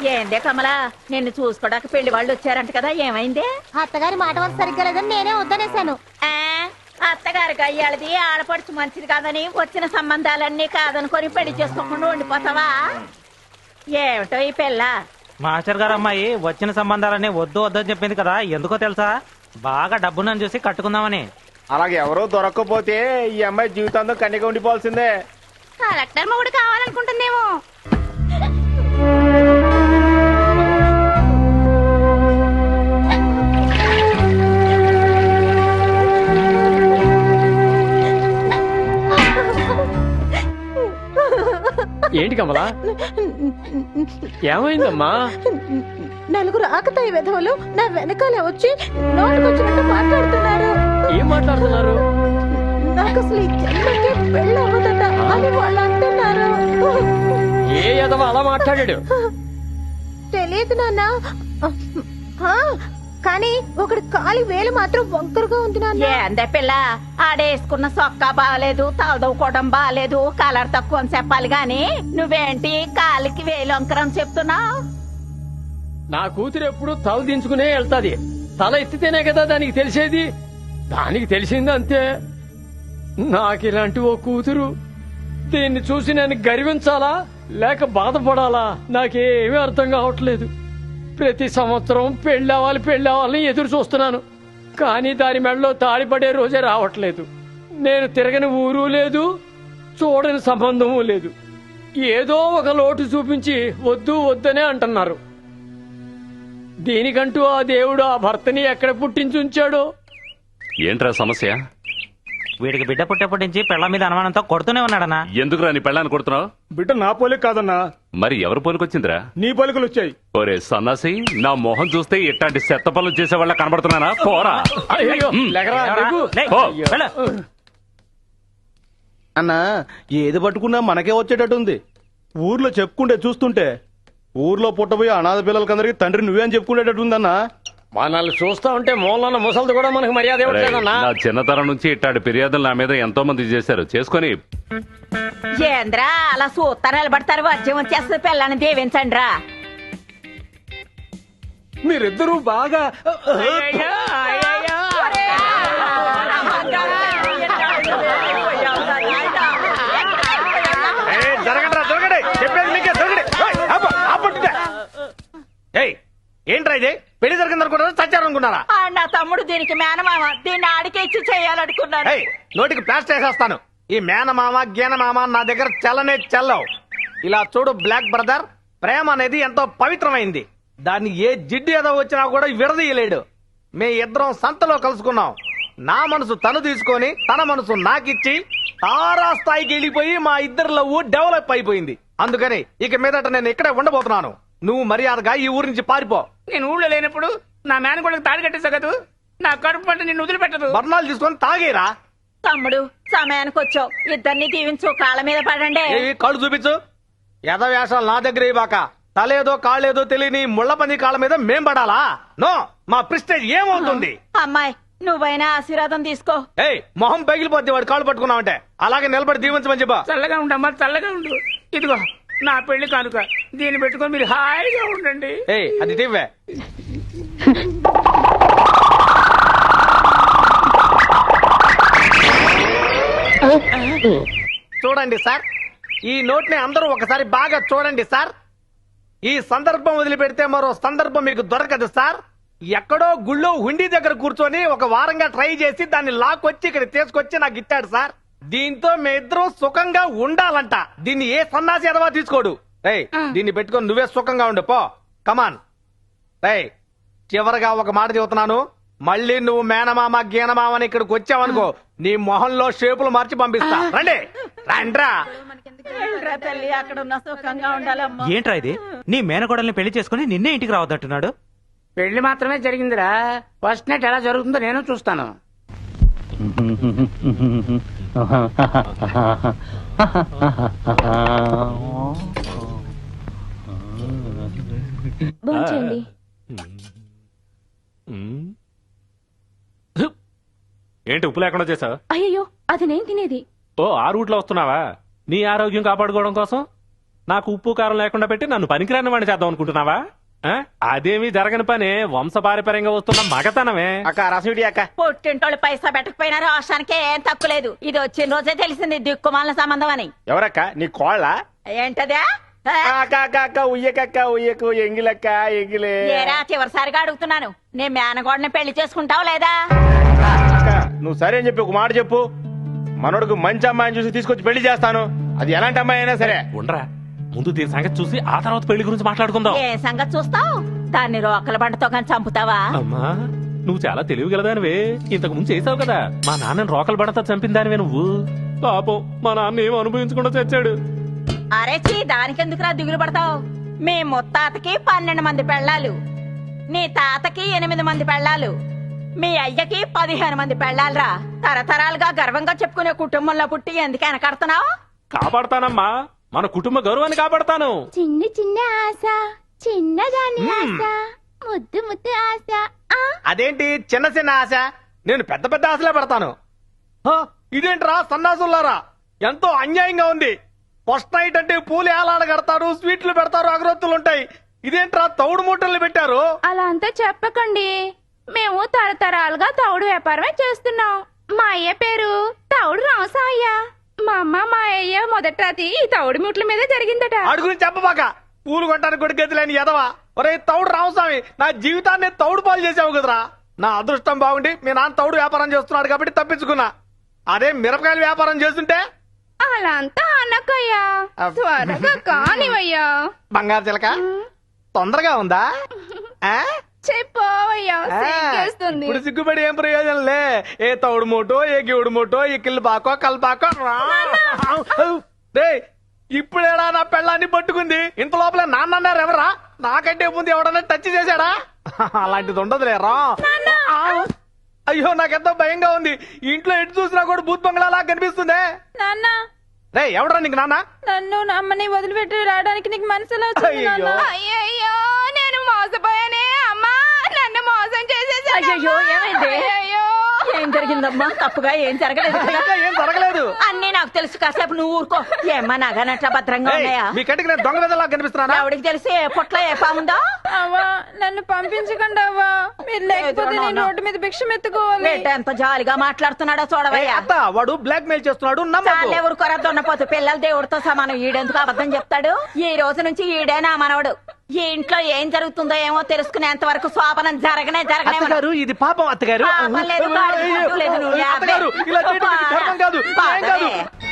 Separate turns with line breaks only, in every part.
ఏందే కమలా, నిన్ను చూసుకోడానికి పెళ్లి వాళ్ళు వచ్చారంట కదా, ఏమైందే?
అత్తగారి మాట వల్ల సరిగ్గా లేదని నేనే వద్దనేశాను.
అత్తగారికి అయ్యాళ్ళది ఆడపడుచు మంచిది కాదని వచ్చిన సంబంధాలన్నీ కాదనుకొని పెళ్లి చేసుకోకుండా ఉండిపోతావా? ఏమిటో ఈ పిల్ల.
మాస్టర్ గారు అమ్మాయి వచ్చిన సంబంధాలన్నీ వద్దు వద్దని చెప్పింది కదా, ఎందుకో తెలుసా? బాగా డబ్బును చూసి కట్టుకుందామని.
అలాగే ఎవరో దొరక్కపోతే ఈ అమ్మాయి జీవితాంతం కన్యగా ఉండిపోవాల్సిందే.
కలెక్టర్ మొగుడు కావాలనుకుంటుందేమో.
ఏంటి కమలా, ఏమైందమ్మా?
నలుగురు ఆకతాయి విధవులు నా వెనకాలే వచ్చి నోటుకొచ్చినట్టు మాట్లాడుతున్నారు.
ఏం మాట్లాడుతున్నారు?
నాకు అసలు ఈ జన్మకే పెళ్ళి అవ్వదట అని వాళ్ళు అంటున్నారు.
ఏ ఎదవ అలా మాట్లాడాడు?
తెలియదు నాన్న, కానీ ఒకటి కాలి వేలు మాత్రం వంకరగా ఉంది నాన్న.
ఏందే పిల్ల, ఆడేసుకున్న సొక్కా బాగాలేదు, తలదవుకోవడం బాగాలేదు, కలర్ తక్కువ అని చెప్పాలి గాని నువ్వేంటి కాలికి వేలు వంకరం చెప్తున్నావు?
నా కూతురు ఎప్పుడు తల దించుకునే వెళ్తాది. తల ఎత్తితేనే కదా దానికి తెలిసేది. దానికి తెలిసింది అంతే. నాకు ఇలాంటి ఓ కూతురు. దీన్ని చూసి నేను గర్వించాలా లేక బాధపడాలా నాకేమీ అర్థం కావట్లేదు. ప్రతి సంవత్సరం పెళ్ళావాలని ఎదురు చూస్తున్నాను, కానీ దాని మెడలో తాళిపడే రోజే రావట్లేదు. నేను తిరగని ఊరు లేదు, చూడని సంబంధము లేదు. ఏదో ఒక లోటు చూపించి వద్దు వద్దనే అంటున్నారు. దీనికంటూ ఆ దేవుడు ఆ భర్తని ఎక్కడ పుట్టించుంచాడో.
ఏంట్రా సమస్య?
వీడికి బిడ్డ పుట్టేప్పటి నుంచి పెళ్ల మీద అనుమానంతో కొడుతూనే ఉన్నాడనా?
ఎందుకురా నీ పెళ్ళాన్ని కొడుతున్నావు?
బిడ్డ నా పోలిక కాదన్నా,
మరి ఎవరి పోలికొచ్చిందిరా?
నీ పోలికలు వచ్చాయి.
ఒరే సన్నాసి, నా మొహం చూస్తే ఇట్లాంటి చెత్త పనులు చేసే వాళ్ళ కనబడుతున్నానా? పోరా.
అయ్యో, లెగరా, లెగు.
పో.
అన్నా ఏది పట్టుకున్నా మనకే వచ్చేటట్టుంది. ఊర్లో చెప్పుకుంటే చూస్తుంటే ఊర్లో పుట్టబోయే అనాథ పిల్లలకందరికి తండ్రి నువ్వే అని చెప్పుకునేటట్టుందన్నా.
మనల్ని చూస్తా ఉంటే మూలన్న ముసలిది కూడా మనకు మర్యాద
ఒరేయ్,
ఇవ్వట్లేదన్నా.
నా చిన్నతనం నుంచి ఇట్లాంటి ఫిర్యాదులు నా మీద ఎంతో మంది చేశారు. చేసుకొని
ఏంద్రా అలా సూత్తా నిలబడతారు? వచ్చే వచ్చేస్తుంది పిల్లని దీవించండి రా.
మీరిద్దరూ బాగా ఏంట్రా ఇది? పెళ్లి జరిగిందనుకున్నారా, చచ్చారనుకున్నారా?
నా తమ్ముడు దీనికి మేనమామ, దీన్ని ఆడికే ఇచ్చి చేయాలనుకున్నాను.
నోటికి ప్లాస్టర్ వేసేస్తాను. ఈ మేనమామ గీనమామ నా దగ్గర చెల్లనే చెల్లవు. ఇలా చూడు బ్లాక్ బ్రదర్, ప్రేమ అనేది ఎంతో పవిత్రమైంది. దాన్ని ఏ జిడ్డు ఏదో వచ్చినా కూడా విడదీయలేడు. మే ఇద్దరం సంతలో కలుసుకున్నాం. నా మనసు తను తీసుకొని తన మనసు నాకిచ్చి తారా స్థాయికి వెళ్ళిపోయి మా ఇద్దరి లవ్ డెవలప్ అయిపోయింది. అందుకని ఇక మీదట నేను ఇక్కడే ఉండబోతున్నాను. నువ్వు మర్యాదగా ఈ ఊరి నుంచి పారిపో.
నేను ఊళ్ళో లేనప్పుడు నా మేనగోళ్ళకి తాడి కట్టేసా కదా, నా కడుపు పంట నిన్ను వదిలిపెట్టదు.
బర్ణాలు తీసుకొని తాగేరా.
తమ్ముడు సమయానికి వచ్చావు, ఇద్దరిని దీవించు, కాళ్ళ మీద పడండి.
కళ్ళు చూపించు. యథవేషాలు నా దగ్గర ఇవ్వక తలేదో కాళ్ళేదో తెలియని ముళ్ళపంది కాళ్ళ మీద మేం పడాలా? నో, మా ప్రిస్టేజ్ ఏమవుతుంది?
అమ్మాయి నువ్వైనా ఆశీర్వాదం తీసుకో.
మొహం పగిలిపోద్ది వాడు కాళ్ళు పట్టుకున్నావంటే. అలాగే నిలబడి దీవించమని చెప్పా.
చల్లగా ఉండమ్మా, చల్లగా ఉండు. ఇదిగో నా పెళ్లి కానుక, దీన్ని పెట్టుకొని మీరు హాయిగా ఉండండి.
అది టివ్వే. చూడండి సార్, ఈ నోట్ ని అందరూ ఒకసారి బాగా చూడండి సార్. ఈ సందర్భం వదిలిపెడితే మరో సందర్భం మీకు దొరకదు సార్. ఎక్కడో గుళ్ళో హుండీ దగ్గర కూర్చొని ఒక వారంగా ట్రై చేసి దాన్ని లాక్కొచ్చి ఇక్కడ తీసుకొచ్చి నాకు ఇచ్చాడు సార్. దీంతో మీ ఇద్దరు సుఖంగా ఉండాలంట. దీన్ని ఏ సన్నాసి ఎదవా తీసుకోడు. దీన్ని పెట్టుకొని నువ్వే సుఖంగా ఉండు పో. కమాన్. చివరిగా ఒక మాట చెబుతున్నాను, మళ్ళీ నువ్వు మేనమామ గీనమామని ఇక్కడికి వచ్చావనుకో, నీ మొహంలో షేపులు మార్చి పంపిస్తా. రండి రండ్రా.
తల్లి అక్కడ ఉన్న సుఖంగా ఉండాలమ్మా.
ఏంట్రా ఇది? నీ మేనకోడల్ని పెళ్లి చేసుకుని నిన్నే ఇంటికి రావద్దంటున్నాడు.
పెళ్లి మాత్రమే జరిగిందిరా, ఫస్ట్ నైట్ ఎలా జరుగుతుందో నేను చూస్తాను.
భోంచేయండి.
ఏంటి ఉప్పు లేకుండా చేసావు?
అయ్యో, అది నేను తినేది.
ఓ, ఆ రూట్లో వస్తున్నావా? నీ ఆరోగ్యం కాపాడుకోవడం కోసం నాకు ఉప్పు కారం లేకుండా పెట్టి నన్ను పనికిరాని వాడిని చేద్దాం అనుకుంటున్నావా ఆ? అదేమీ జరగని పని వంశపారపర్యంగా వస్తున్న మగతనమే.
అక్క రసం ఇడి అక్క.
పుట్టింటోళ్ళు పైసా పెట్టకపోయినా రోషానికి ఏం తక్కువ లేదు. ఇది వచ్చిన రోజే తెలిసింది దిక్కుమాల సంబంధం అని.
ఎవరక్క నీ కోళ్ళ?
ఏంటదే
అక్క అక్క అక్క ఉయ్యకక్క ఉయ్యకు ఎంగిలక్క ఎంగిలే.
ఏరా చివరిసారిగా అడుగుతున్నాను, నీ మేనగోడని పెళ్లి చేసుకుంటావు లేదా?
అక్క నువ్వు సరే అని చెప్పి ఒక మాట చెప్పు. మనోడికి మంచి అమ్మాయిని చూసి తీసుకొచ్చి పెళ్లి చేస్తాను. అది ఎలాంటి అమ్మాయి అయినా సరే.
ఉండరా, ముందు దీని సంగతి చూసి ఆ తర్వాత పెళ్లి గురించి మాట్లాడుకుందాం.
ఏ సంగతి చూస్తావు? దాన్ని రోకల బండతో కానీ చంపుతావా?
అమ్మా నువ్వు చాలా తెలివిగలదానివే. ఇంతకు ముందు చేసావు కదా, మా నాన్నని రోకలు పడతా చంపిందానివే నువ్వు. పాపం మా నాన్న ఏం అనుభవించకుండా చచ్చాడు.
అరే చీ, దానికెందుకురా దిగులు పడతావు? మీ ముత్తాతకి 12 మంది పెళ్ళాలు, నీ తాతకి 8 మంది పెళ్ళాలు, మీ అయ్యకి 15 మంది పెళ్ళాలరా. తరతరాలుగా గర్వంగా చెప్పుకునే కుటుంబంలో పుట్టి ఎందుకు వెనకడుతున్నావు?
కాపాడతానమ్మా, మన కుటుంబ గౌరవాన్ని కాపాడతాను.
చిన్న చిన్న ఆశ, చిన్నదాని ఆశ, ముద్దు ముద్దు ఆశ.
అదేంటి చిన్న చిన్న ఆశ? నేను పెద్ద పెద్ద ఆశలే పెడతాను. హ, ఇదేంట్రా సన్నాసులారా, ఎంతో అన్యాయంగా ఉంది. ఫస్ట్ నైట్ అంటే పూలు ఏలాడ కడతారు, స్వీట్లు పెడతారు, అగరొత్తులు ఉంటాయి. ఇదేంట్రా తౌడు మూటలు పెట్టారు?
అలా అంతా చెప్పకండి. మేము తరతరాలుగా తౌడు వ్యాపారమే చేస్తున్నాం. మా అయ్య పేరు తౌడు రామసాయ్య. మా అమ్మ మా అయ్య మొదటి రాతి ఈ తౌడు ముట్ల మీద జరిగిందట.
ఆడి గురించి చెప్పబాక. పూలు కొట్టడానికి కూడా గతి లేని ఎదవా. ఒరే తౌడు రామస్వామి, నా జీవితాన్ని తౌడు పాలు చేసావు కదరా. నా అదృష్టం బాగుండి మీ నాన్న తౌడు వ్యాపారం చేస్తున్నాడు కాబట్టి తప్పించుకున్నా. అదే మిరపకాయల వ్యాపారం చేస్తుంటే
అలా అంతా అనకయ్యా, త్వరగా కానివయ్యా.
బంగారు చిలక తొందరగా ఉందా? ఆ?
చెప్పవయ్యా, సిగ్గేస్తుంది.
ఇప్పుడు సిగ్గుపడి ఏం ప్రయోజనంలే. ఏ తౌడు మూటో, ఏ గివుడు మూటో, ఏ కిల్లు బాకో కల్పాకో. ఇప్పుడేడా నా పెళ్ళాన్ని పట్టుకుంది. ఇంత లోపల నాన్నన్నారు ఎవరా? నాకంటే ముందు ఎవడన్నా టచ్ చేశాడా? అలాంటిది ఉండదులేరా. అయ్యో నాకెంతో భయంగా ఉంది. ఇంట్లో ఎటు చూసినా కూడా భూత్ బంగ్లాలా కనిపిస్తుంది.
నాన్న,
రే ఎవడరా నీకు నాన్న?
నన్ను అమ్మని వదిలిపెట్టి రావడానికి నీకు మనసులో అయ్యయ్యో, నేను మోసపోయానే అమ్మా. నన్ను మోసం చేసేసాడు.
అయ్యయ్యో, ఏమైంది?
అయ్యయ్యో.
ఏం జరిగిందమ్మా? తప్పుగా ఏం జరగలేదు కదా?
ఇంకా ఏం జరగలేదు.
అన్నీ నాకు తెలుసు, కాసేపు నువ్వు ఊరుకో. ఏమ్మా నగనట్లా భద్రంగా
ఏయ్,
ఉన్నాయా?
మీ కంటికి నేను దొంగ విధంగా కనిపిస్తున్నానా?
ఎవడికి తెలిసి ఏ పొట్ల ఏ పాముందో?
అవ్వా, నన్ను పంపించకండి అవ్వా. మీరు లేకపోతే నేను రోడ్డు మీద భిక్షం ఎత్తుకోవాలి.
బిడ్డ ఎంత జాలిగా మాట్లాడుతున్నాడో
ఏయ్,
చూడవయ్యా.
అత్త వాడు బ్లాక్ మెయిల్ చేస్తున్నాడు. నమ్మకు.
ఎవరు కొరద్దన్నపోతు పిల్లలు దేవుడితో సమానం. ఈడెందుకు అబద్ధం చెప్తాడు? ఈ రోజు నుంచి ఈడే నా మనవడు. ఈ ఇంట్లో ఏం జరుగుతుందో ఏమో తెలుసుకునేంత వరకు శోభనం జరగనే
అత్తగారు ఇది పాపం అత్తగారు.
పాపం లేదు, గాడిద గుడ్డు లేదు, నువ్వు
అత్తగారు ఇలా చేయడం మీకు ధర్మం కాదు. న్యాయం కాదు.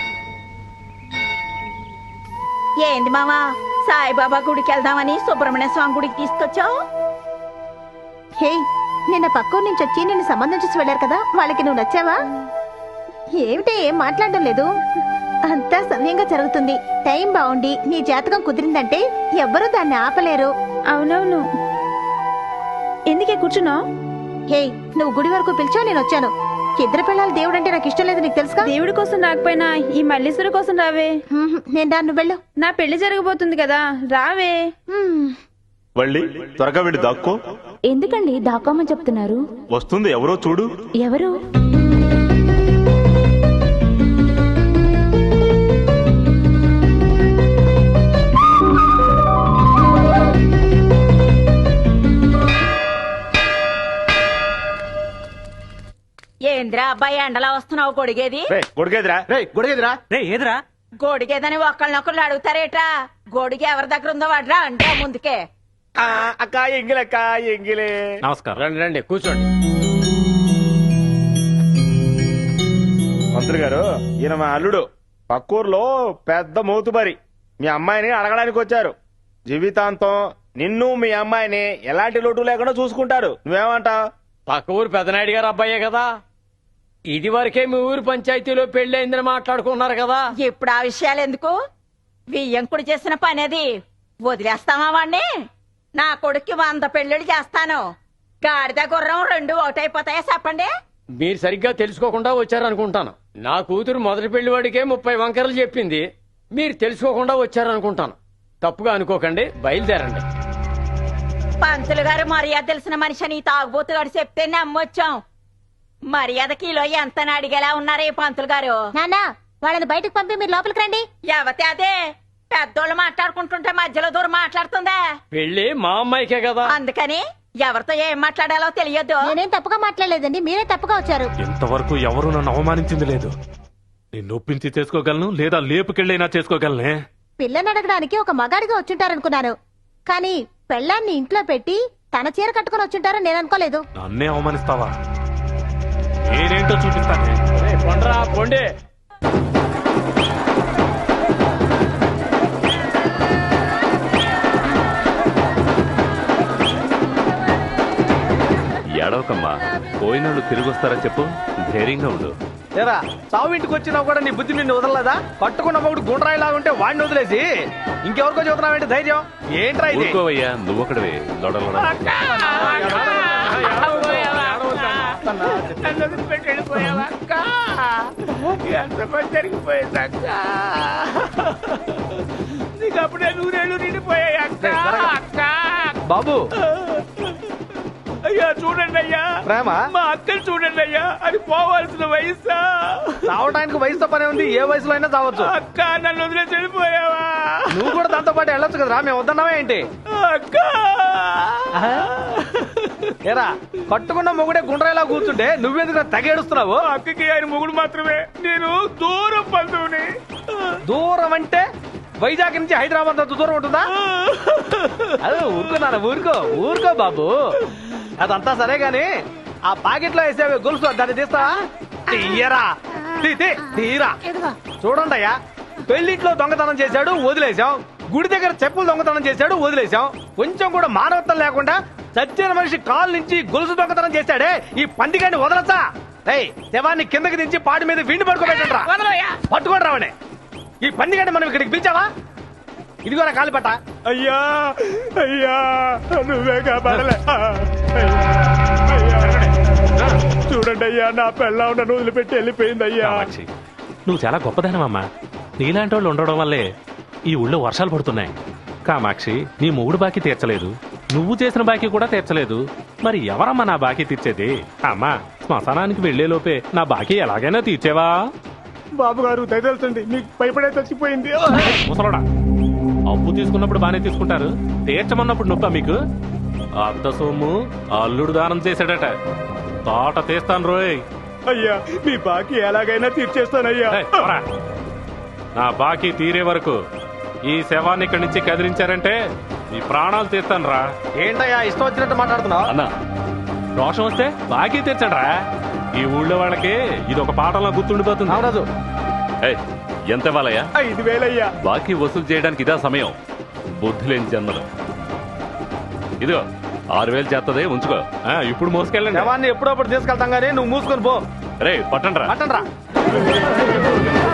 ఏంది మామా, సాయిబాబా గుడికి వెళ్దామని సుబ్రహ్మణ్య స్వామి గుడికి తీసుకొచ్చావు?
హే, నిన్న పక్కూరు నుంచి వచ్చి నిన్ను సంబంధం చూసి వెళ్ళారు కదా, వాళ్ళకి నువ్వు నచ్చావా? ఏమిటి ఏం మాట్లాడడం లేదు? అంతా సమయంగా జరుగుతుంది. టైం బాగుండి నీ జాతకం కుదిరిందంటే ఎవ్వరూ దాన్ని ఆపలేరు. అవునవును. ఎందుకే కూర్చున్నావు? హే, నువ్వు గుడి వరకు పిలిచావు, నేను వచ్చాను. ఇద్దరు పిల్లలు దేవుడు అంటే నాకు ఇష్టం లేదు, నీకు తెలుసుగా. దేవుడి కోసం రాకపోయినా ఈ మల్లీశ్వరు కోసం రావే. నేను రా, నువ్వు వెళ్ళు. నా పెళ్లి జరగబోతుంది కదా, రావే.
వళ్ళి త్వరగా వెళ్ళి దాక్కో.
ఎందుకండి దాక్కోమని చెప్తున్నారు?
వస్తుంది ఎవరో చూడు.
ఎవరు?
ఏంద్రా అబ్బాయి ఎండలా వస్తున్నావు? గొడిగేది
గొడిగేదిరా. రే గొడిగేదిరా.
రే ఏదిరా?
గొడిగేదని ఒకళ్ళనొకళ్ళు అడుగుతారేట్రా? గొడిగ ఎవరి దగ్గర ఉందో వాడ్రా అంటే ముందుకే.
అక్క ఎంగిలక్క ఎంగిలే.
నమస్కారం.
రండి రండి కూర్చోండి.
మంత్రి గారు, ఈయన మా అల్లుడు. పక్కూరులో పెద్ద మోతుబరి. మీ అమ్మాయిని అడగడానికి వచ్చారు. జీవితాంతం నిన్ను మీ అమ్మాయిని ఎలాంటి లోటు లేకుండా చూసుకుంటారు. నువ్వేమంటావు?
పక్క ఊరు పెదనాయుడు గారు అబ్బాయే కదా. ఇది వరకే మీ ఊరు పంచాయతీలో పెళ్లి అయిందని మాట్లాడుకున్నారు కదా.
ఇప్పుడు ఆ విషయాలు ఎందుకు? వియ్యంకుడు చేసిన పని అది. వదిలేస్తామా వాణ్ణి? నా కొడుక్కి 100 పెళ్లిళ్ళు చేస్తాను. గాడిద గుర్రం 2 ఒకటైపోతాయా చెప్పండి?
మీరు సరిగ్గా తెలుసుకోకుండా వచ్చారనుకుంటాను. నా కూతురు మొదటి పెళ్లి వాడికే 30 వంకరలు చెప్పింది. మీరు తెలుసుకోకుండా వచ్చారనుకుంటాను. తప్పుగా అనుకోకండి, బయలుదేరండి.
పంతులు గారు మర్యాద తెలిసిన మనిషి అని తాగుబోతు గారు చెప్తే నమ్మొచ్చాం. మర్యాద కిలో ఎంత అడిగేలా ఉన్నారు ఈ పంతులు గారు.
నాన్న, వాళ్ళని బయటకు పంపి మీరు లోపలికి రండి.
ఎవతే అదే పెద్దోళ్ళు మాట్లాడుకుంటుంటే మధ్యలో దూరం మాట్లాడుతుందా?
పెళ్లి మా అమ్మాయికే కదా.
అందుకని ఎవరితో ఏం మాట్లాడాలో తెలియదు.
నేనేం తప్పుగా మాట్లాడలేదండి, మీరే తప్పుగా వచ్చారు.
ఇంతవరకు ఎవరు నన్ను అవమానించింది లేదు. నిన్ను ఒప్పించి చేసుకోగలను, లేదా లేపుకెళ్ళైనా చేసుకోగలనే.
పిల్లని అడగడానికి ఒక మగాడిగా వచ్చుంటారనుకున్నాను, కానీ పెళ్ళాన్ని ఇంట్లో పెట్టి తన చీర కట్టుకుని వచ్చుంటారని నేను అనుకోలేదు.
నన్నే అవమానిస్తావా? నేనేంటో చూపిస్తానే.
కొండ్రా పొండే.
ఏడవకమ్మా, పోయినోళ్ళు తిరిగి వస్తారా చెప్పు, ధైర్యంగా ఉండు.
ఏరా చావు ఇంటికి వచ్చినా కూడా నీ బుద్ధి నిన్ను వదలలేదా? కట్టుకున్న మొగుడు గుండ్రాయిలా ఉంటే వాడిని వదిలేసి ఇంకెవరికో చెబుతున్నావేంటి ధైర్యం? ఏంట్రా ఇది?
ఊరుకోవయ్యా, నువ్వుక్కడవే లొడలొడ.
నన్ను వదిలిపెట్టి వెళ్ళిపోయావా అక్క? ఎంత పని జరిగిపోయింది అక్క. నీకు అప్పుడే నూరేళ్ళు నిండిపోయాయి అక్క. అక్క
బాబు
అయ్యా చూడండి అయ్యా,
ప్రేమ
మా అక్కని చూడండి అయ్యా, అది పోవాల్సిన వయసా?
చావటానికి వయసుతో పనే ఉంది, ఏ వయసులో అయినా చావచ్చు.
అక్క నన్ను వదిలేసి వెళ్ళిపోయావా?
నువ్వు కూడా దాంతో పాటు వెళ్ళొచ్చు కదరా, మేము వద్దన్నావే ఏంటి?
అక్క
ఏరా కట్టుకున్న మొగుడే గుండ్రాయిలా కూర్చుంటే నువ్వెందుకు తెగేడుస్తున్నావు?
అక్కకి ఆయన మొగుడు మాత్రమే, నేను దూరం బంధువుని.
దూరం అంటే వైజాగ్ నుంచి హైదరాబాద్ అంత దూరం ఉంటుందా? అదే ఊరుకున్నాను, ఊరుకో బాబు. అదంతా సరే గాని ఆ పాకెట్లో వేసేవి గొలుసు దాన్ని తీస్తావా? తీయరా, తీరా. చూడండి అయ్యా, పెళ్లింట్లో దొంగతనం చేశాడు వదిలేశాం, గుడి దగ్గర చెప్పులు దొంగతనం చేశాడు వదిలేశాం, కొంచెం కూడా మానవత్వం లేకుండా చచ్చిన మనిషి కాలు నుంచి గొలుసు దొంగతనం చేశాడే, ఈ పందిగాన్ని వదలచ్చా? శవాన్ని కిందకి దించి పాటి మీద విండి పడుకోబెట్టండి, పట్టుకోండి రావనే. ఈ పందిగాన్ని మనం ఇక్కడికి పిలిచావా? ఇదిగో నా కాలిపట్ట.
అయ్యా అయ్యా నువ్వే కాపాడలే. చూడండి అయ్యా, నా పెళ్ళ నన్ను వదిలిపెట్టి వెళ్ళిపోయింది అయ్యా.
కామాక్షి, నువ్వు చాలా గొప్పదానమమ్మా. నీలాంటి వాళ్ళు ఉండడం వల్లే ఈ ఊళ్ళో వర్షాలు పడుతున్నాయి. కామాక్షి, నీ మొగుడు బాకీ తీర్చలేదు, నువ్వు చేసిన బాకీ కూడా తీర్చలేదు, మరి ఎవరమ్మా నా బాకీ తీర్చేది? అమ్మా, శ్మశానానికి వెళ్లేలోపే నా బాకీ ఎలాగైనా తీర్చేవా?
బాబు గారు దయదలుచండి, మీకు భయపడే చచ్చిపోయింది.
ముసలోడా, అప్పు తీసుకున్నప్పుడు బానే తీసుకుంటారు, తీర్చమన్నప్పుడు నొప్పా మీకు? అత్త సొమ్ము అల్లుడు దానం చేశాడట, తోట తీస్తాను రోయ్.
అయ్యా మీ బాకీ ఎలాగైనా తీర్చేస్తానయ్యా.
ఏయ్, పోరా. నా బాకీ తీరే వరకు ఈ శవాన్ని ఇక్కడి నుంచి కదిలించారంటే ఈ ప్రాణాలు తీస్తాను రా.
ఏంటయ్యా ఇష్టం వచ్చినట్టు మాట్లాడుతున్నావు?
అన్నా,
రోషం వస్తే బాకీ తీర్చండి రా. ఈ ఊళ్ళో వాళ్ళకి ఇది ఒక పాఠంలో గుర్తుండిపోతుంది.
అవునదు.
ఏయ్, ఎంత ఇవ్వాలయ్యా?
5,000 అయ్యా.
బాకీ వసూలు చేయడానికి ఇదా సమయం? బుద్ధి లేని జన్మలు. ఇదిగో 6,000 చేస్తదే, ఉంచుకో.
ఇప్పుడు మోసుకెళ్ళండి.
శవాన్ని ఎప్పుడప్పుడు తీసుకెళ్తాం గానీ నువ్వు మూసుకొని పో.
రే పట్టండి రా.
పట్టండి రా.